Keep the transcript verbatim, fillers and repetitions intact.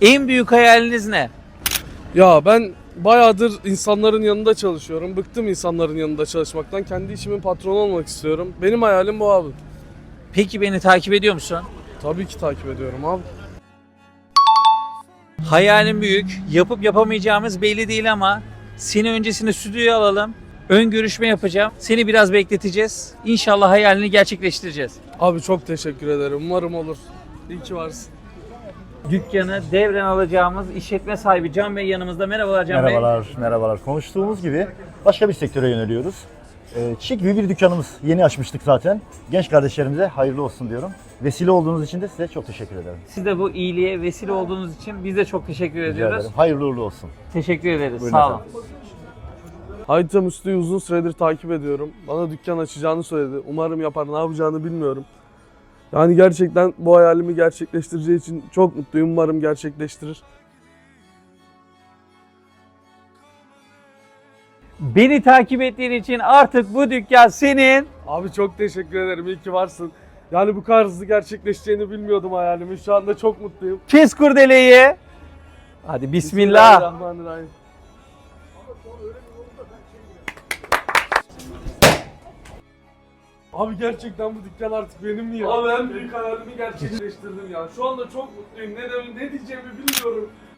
En büyük hayaliniz ne? Ya ben bayağıdır insanların yanında çalışıyorum. Bıktım insanların yanında çalışmaktan. Kendi işimin patronu olmak istiyorum. Benim hayalim bu abi. Peki beni takip ediyor musun? Tabii ki takip ediyorum abi. Hayalim büyük. Yapıp yapamayacağımız belli değil ama seni öncesinde stüdyoya alalım. Ön görüşme yapacağım. Seni biraz bekleteceğiz. İnşallah hayalini gerçekleştireceğiz. Abi çok teşekkür ederim. Umarım olur. İyi ki varsın. Dükkanı devren alacağımız işletme sahibi Can Bey yanımızda. Merhabalar Can Bey. Merhabalar, merhabalar. Konuştuğumuz gibi başka bir sektöre yöneliyoruz. Ee, çiçek gibi bir dükkanımız. Yeni açmıştık zaten. Genç kardeşlerimize hayırlı olsun diyorum. Vesile olduğunuz için de size çok teşekkür ederim. Siz de bu iyiliğe vesile olduğunuz için biz de çok teşekkür Rica ediyoruz. ederim. Hayırlı uğurlu olsun. Teşekkür ederiz. Buyurun Sağ olun. efendim. Hayta Müslü'yü uzun süredir takip ediyorum. Bana dükkan açacağını söyledi. Umarım yapar. Ne yapacağını bilmiyorum. Yani gerçekten bu hayalimi gerçekleştireceği için çok mutluyum. Umarım gerçekleştirir. Beni takip ettiğin için artık bu dükkan senin. Abi çok teşekkür ederim. İyi ki varsın. Yani bu kadar hızlı gerçekleşeceğini bilmiyordum hayalimi. Şu anda çok mutluyum. Kes kurdeleyi. Hadi bismillah. Bismillahirrahmanirrahim. Abi gerçekten bu dükkan artık benim mi ya? Abi en büyük hayalimi gerçekleştirdim ya. Şu anda çok mutluyum. Ne, de, ne diyeceğimi bilmiyorum.